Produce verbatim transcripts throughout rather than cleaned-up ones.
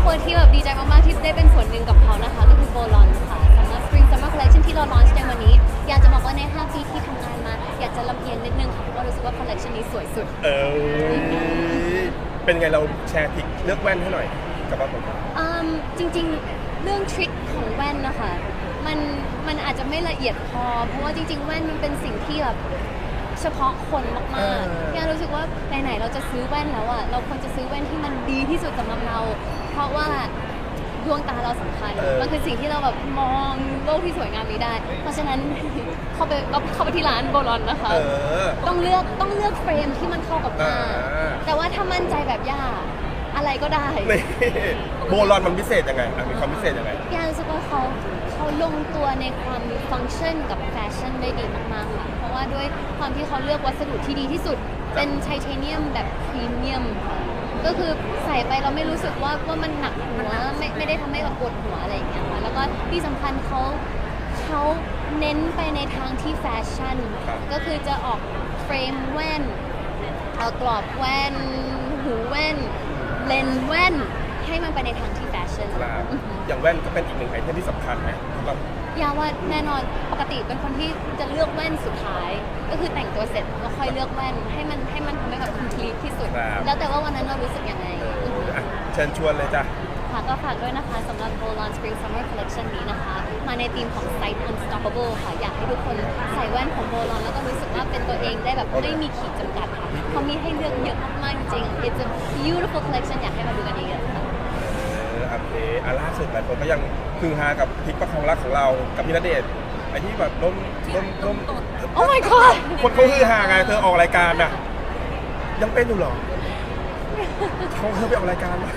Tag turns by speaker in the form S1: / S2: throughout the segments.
S1: คนที่แบบดีใจมากๆที่ได้เป็นส่วนหนึ่งกับเขานะคะก็คือโบลอนค่ะสำหรับ Spring Summer Collection ที่เราลอนช์ในวันนี้อยากจะบอกว่าในห้าปีที่ทำงานมาอยากจะลำเอียงนิดนึงค่ะเพราะว่ารู้สึกว่า collection นี้สวยสุด
S2: เออเป็นไงเราแชร์ทริคเลือกแว่นให้หน่อยกับว่าผม
S1: อืมจริงๆเรื่องทริคของแว่นนะคะมันมันอาจจะไม่ละเอียดพอเพราะว่าจริงๆแว่นมันเป็นสิ่งที่แบบเฉพาะคนมากๆเนี่ยรู้สึกว่าไหนๆเราจะซื้อแว่นแล้วอะเราควรจะซื้อแว่นที่มันดีที่สุดสำหรับเราเพราะว่าดวงตาเราสำคัญมันคือสิ่งที่เราแบบมองโลกที่สวยงามนี้ได้เพราะฉะนั้นเข้าไปก็เข้าไปที่ร้านโบลอนนะคะต้องเลือกต้องเลือกเฟรมที่มันเข้ากับตาแต่ว่าถ้ามั่นใจแบบย่าอะไรก็ได้
S2: โบลอนมันพิเศษยังไงมีความพิเศษยังไง
S1: ย่ารู้สึกว่าเขาเขาลงตัวในความมีฟังก์ชันกับแฟชั่นได้ดีมากๆค่ะเพราะว่าด้วยความที่เขาเลือกวัสดุที่ดีที่สุดเป็นไทเทเนียมแบบพรีเมียมก็คือใส่ไปเราไม่รู้สึกว่าว่ามันหนักหัวไม่ไม่ได้ทำให้เราปวดหัวอะไรอย่างเงี้ยค่ะแล้วก็ที่สำคัญเขาเขาเน้นไปในทางที่แฟชั่นก็คือจะออกเฟรมแว่นเอากรอบแว่นหูแว่นเลนส์แว่นให้มันไปในทางที่แฟชั่น
S2: อย่างแว่นก็เป็นอีกหนึ่งไอเทมที่สำคัญไหมครับ
S1: ยาว่าแน่นอนปกติเป็นคนที่จะเลือกแว่นสุดท้ายก็คือแต่งตัวเสร็จแล้วค่อยเลือกแว่นให้มันให้มันทำให้แบบ complete ที่สุดแล้วแต่ว่าวันนั้นเรารู้สึกยังไง
S2: เชิญชวนเลยจ้ะ
S1: ค่ะก็ฝากด้วยนะคะสำหรับ Bolon Spring Summer Collection นี้นะคะมาในธีมของ Sight Unstoppable ค่ะอยากให้ทุกคนใส่แว่นของ Bolon แล้วก็รู้สึกว่าเป็นตัวเองได้แบบไม่มีขีดจำกัดค่ะเขามีให้เลือกเยอะมากๆจริง It's a beautiful collection อยากให้มาดูกันเยอะๆค่ะ
S2: โอเคอ่ะล่าสุดหลายคนก็ยังคือฮากับพลิกประคองรักของเรากับพี่ณเดชน์ไอ้ที่แบบล้มล้มล้ม
S1: Oh my god
S2: คนเขาคือฮาไงเธอออกรายการน่ะยังเป็นอยู่หรอเขาเธอไปออกรายการ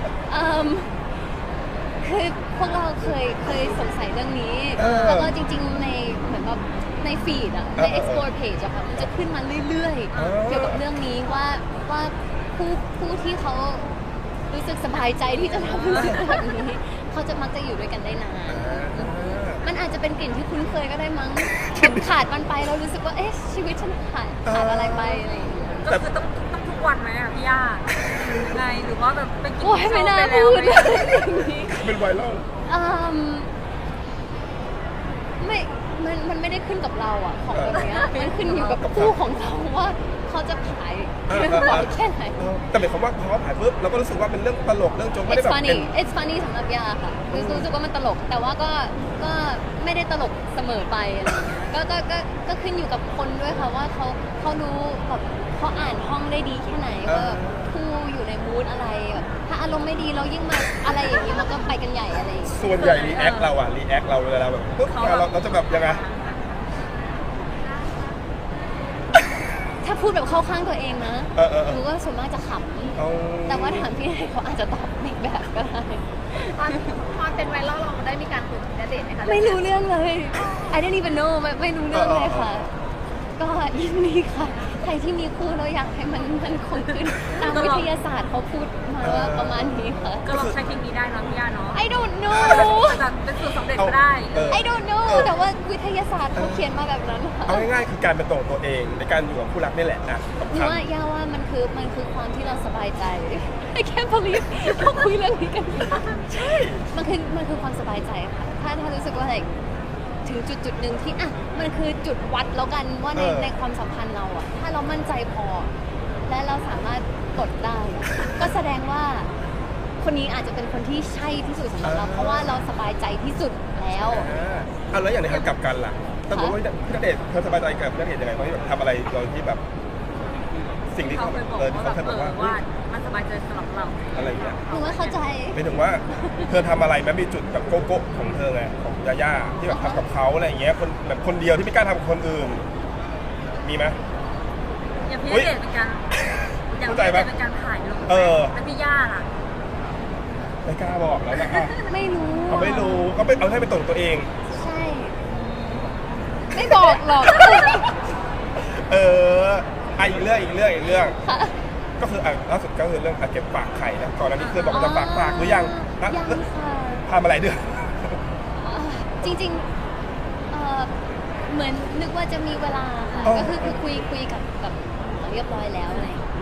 S1: คือพวกเราเคยเคยสงสัยเรื่องนี้แล้วก็จริงๆในเหมือนแบบในฟีดอะใน explore page อะค่ะมันจะขึ้นมาเรื่อยๆเกี่ยวกับเรื่องนี้ว่าว่าผู้ผู้ที่เขารู้สึกสบายใจที่จะทำรู้สึกแบบนี้เขาจะมักจะอยู่ด้วยกันได้นานมันอาจจะเป็นกลิ่นที่คุ้นเคยก็ได้มั้งขาดมันไปเรารู้สึกว่าเอ๊ะชีวิตฉันขาดขาดอะไรไปอะไรอย่างเงี้ย
S3: ก็คือต้องต้องทุกวันไหมอะพี่ย่าไงหรือว่าแบบไปกิน
S1: โอ้ยไม่น่าพูดเลย
S2: เป็นไวรัล
S1: ไม่มันมันไม่ได้ขึ้นกับเราอะของแบบนี้มันขึ้นอยู่กับคู่ของเราว่าเขาจะขายเรื่องบ่อยแค่ไหน
S2: แต่หมายความว่าพอเขาขายปุ๊บเราก็รู้สึกว่าเป็นเรื่องตลกเรื่องโจ๊กไม่ได้แบบ
S1: It's funny It's funny สำหรับยาค่ะรู้สึกว่ามันตลกแต่ว่าก็ก็ไม่ได้ตลกเสมอไปอะไรอย่างเงี้ยก็ก็ก็ก็ขึ้นอยู่กับคนด้วยค่ะว่าเขาเขารู้แบบเขาอ่านห้องได้ดีแค่ไหนว่าคู่อยู่ในมูดอะไรแบบถ้าอารมณ์ไม่ดีเรายิ่งมาอะไรอย่างนี้มันก็ไปกันใหญ่อะไร
S2: ส่วนใหญ่รีแอคเราอะรีแอคเราเวลาแบบปุ๊บเราเราจะแบบยังไง
S1: ถ้าพูดแบบเข้าข้างตัวเองนะหนูก็ส่วนมากจะขำแต่ว่าถามพี่ให้เขาอาจจะตอบอีกแบบก็ได้
S3: ตอนเป็นไวรัลเราได้มีการคุยกับณเดชน์ไหมคะ
S1: ไม่รู้เรื่องเลย I didn't even know ไม่ไม่รู้เรื่องเลยค่ะก็ยินดีค่ะใครที่มีคู่เราอยากให้มันมันคงขึ้นตามวิทยาศาสตร์เขาพูดมาว่าประมาณนี้ค่ะ
S3: ก็ลองใช้เทคนิคได้นะพี่ย่าเนาะ
S1: I don't know
S3: แบบเป็นสูตรสำเร็จก็ได้
S1: I don't know แต่ว่าวิทยาศาสตร์เขาเขียนมาแบบนั้นค่ะ
S2: เอาง่ายๆคือการเป็นตัวตัวเองในการอยู่กับคู่รักนี่แหละนะ
S1: หรือว่าย่าว่ามันคือมันคือความที่เราสบายใจ I can't believe เขาคุยเรื่องนี้กัน
S2: ใช่
S1: มันคือมันคือความสบายใจค่ะถ้าถ้ารู้สึกว่าอะไรถึงจุดจุดหนึ่งที่อ่ะมันคือจุดวัดแล้วกันว่าในในความสัมพันธ์เราอ่ะถ้าเรามั่นใจพอและเราสามารถกดได้ก็แสดงว่าคนนี้อาจจะเป็นคนที่ใช่ที่สุดสำหรับเราเพราะว่าเราสบายใจที่สุดแล้ว
S2: อ่าแล้วอย่างในทางกลับกันล่ะแต่บอกว่าณเดชน์เธอสบายใจกับณเดชน์ยังไงเพราะที่แบบทำอะไรโดยที่แบบสิ่งที่เขาเออที่เขาเคยบอกว่า
S3: มันสบายใจสำหรับเรา
S2: อะไรอย่างเงี้ย
S1: หนูว่าเข้าใจ
S2: ไม่ถึงว่าเธอทำอะไรแม้มีจุดแบบโกโก้ของเธอไงของยาย่าที่แบบทำกับเขาอะไรอย่างเงี้ยคนแบบคนเดียวที่ไม่กล้าทำกับคนอื่นมีไหม
S3: อย่างพี่ณเดชน์เป็นการอย่างพี่ณเดชน์เป็นการถ่ายลงแล้วพี่ย่าล่ะ
S2: ไม่กล้าบอกแล้วนะ
S1: ไม่รู้
S2: เขาไม่รู้ก็ไปเอาให้เป็นตัวตัวเอง
S1: ใช่ไม่บอกหรอก
S2: เอออีกเรื่องอีกเรื่องอีกเรื่องก็คืออ่ะล่าสุดก็คือเรื่องเก็บฝากไข่นะก่อนหน้านี้เคยบอกจะฝากฝากหรือยัง
S1: ยังค่ะ
S2: ทำอะไรเดือน
S1: จริงๆเหมือนนึกว่าจะมีเวลาค่ะก็คือคือคุยคุยกับกับเรียบร้อยแล้วอะไร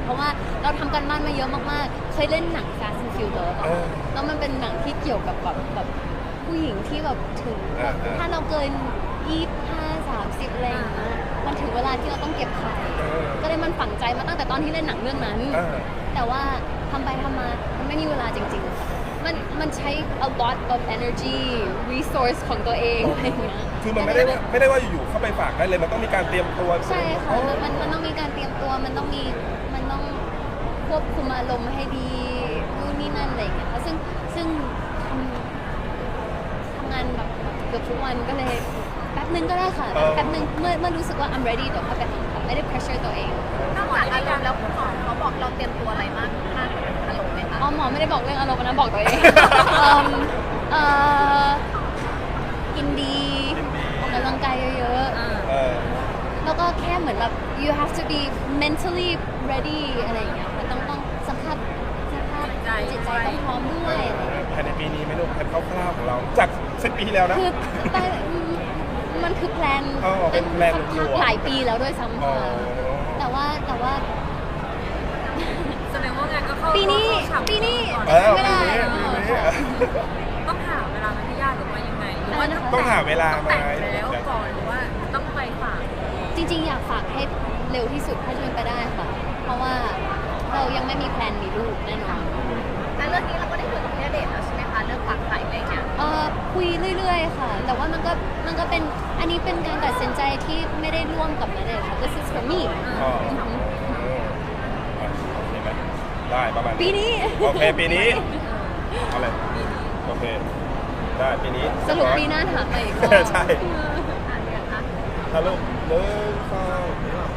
S1: เพราะว่าเราทำกันบ้านมาเยอะมากๆ เคยเล่นหนัง Fast and Furious
S2: เออ
S1: แล้วมันเป็นหนังที่เกี่ยวกับแบบแบบผู้หญิงที่แบบถึง
S2: เออเออ
S1: ถ้าเราเกินยี่สิบห้า สามสิบอะไรอย่างเงี้ยมันถึงเวลาที่เราต้องเก็บไข่
S2: เออ
S1: ก็เลยมันฝังใจมาตั้งแต่ตอนที่เล่นหนังเรื่องนั้น
S2: เออ
S1: แต่ว่าทำไปทำมา มันไม่มีเวลาจริงๆค่ะมันมันใช้ a lot of energy resource ของตัวเองอะไรอย่างเงี้ย
S2: คือมันไม่ได้ว่าไม่ได้ว่าอยู่ๆเข้าไปฝากได้เลยมันต้องมีการเตรียมตัว
S1: ใช่ค่ะมันมันมันต้องมีการเตรียมตัว มันต้องมี มันต้องควบคุมอารมณ์ให้ดีนู่นนี่นั่นอะไรอย่างเงี้ยค่ะซึ่งซึ่งทำทำงานแบบเกือบทุกวันก็เลยแป๊บนึงก็ได้ค่ะ แป๊บนึงเมื่อเมื่อรู้สึกว่า I'm ready เดี๋ยวค่อยไปทำค่ะไม่ได้ pressure ตัวเอง
S4: นอกจากอารมณ์แล้วคุณหมอเขาบอกเราเตรียมตัวอะไรมากมากกว่าอารมณ์ไหมคะ
S1: อ๋อหมอไม่ได้บอกเรื่องอารมณ์นะบอกตัวเอง เอิ่มเอ่อกินดีออกกำลังกายเยอะ
S2: เออ
S1: ๆ แล้วก็แค่เหมือนแบบ you have to be mentally ready อะไรอย่างเงี้ยค่ะต้องต้องสภาพสภาพจิตใจต้องพร้อมด้วยอะไรอย่างเงี้ย
S2: ภายในปีนี้ไหม่รู้แผนคร่าวๆของเรา จากสิบปีที่แล้วนะ
S1: คือแต่มันคือแพลน
S2: อ๋อเป็นแพลน
S1: ค่อน
S2: อยู่
S1: ข้างหลายปีแล้วด้วยซ้ำ
S2: อ๋อ
S1: ค่ะแต่ว่าแต่ว่า
S3: แสดงว่างานก็เข้า
S1: ปีนี้
S3: เข้าฉ่ำ
S1: ปีนี้
S3: ก่อน
S2: เออ
S1: ไม่ได้
S2: ปีนี้ปีนี้
S3: ต้องหาเวลาไหมพี่ย่าหรือว่ายังไงหรือว่า
S1: อะไรนะคะ
S2: ต้องหาเวลา
S3: ต้อง
S2: ไหม
S3: แต่งแล้วก่อนหรือว่าต้องไปฝาก
S1: จริงๆ อยากฝากให้เร็วที่สุดถ้าจะเป็นไปได้ค่ะ เพราะว่าเรายังไม่มีแพลนมีลูกแน่นอน
S4: แต่เรื่องนี้เราก็ได้คุยกับพี่ณเดชน์แล้วใช่ไหมคะเรื่องฝากไข่อะไรเงี้ย
S1: เอ่อคุยเรื่อยๆ ค่ะ แต่ว่ามันก็มันก็เป็นอันนี้เป็นการตัดสินใจที่ไม่ได้ร่วมกับนันเลยค่ะ this is for me
S2: อ๋อ
S1: อือหือ
S2: เอออ่ะโอเคไหมได้ประมาณ
S1: ปีนี้
S2: โอเคปีนี้เอาเลยโอเค ได้ปีนี้
S1: สรุปปีหน้าถามไปอีกรอบ
S2: ใช่
S4: อ่านเรียนคะ
S2: ฮัลโหลหนึ่งสอง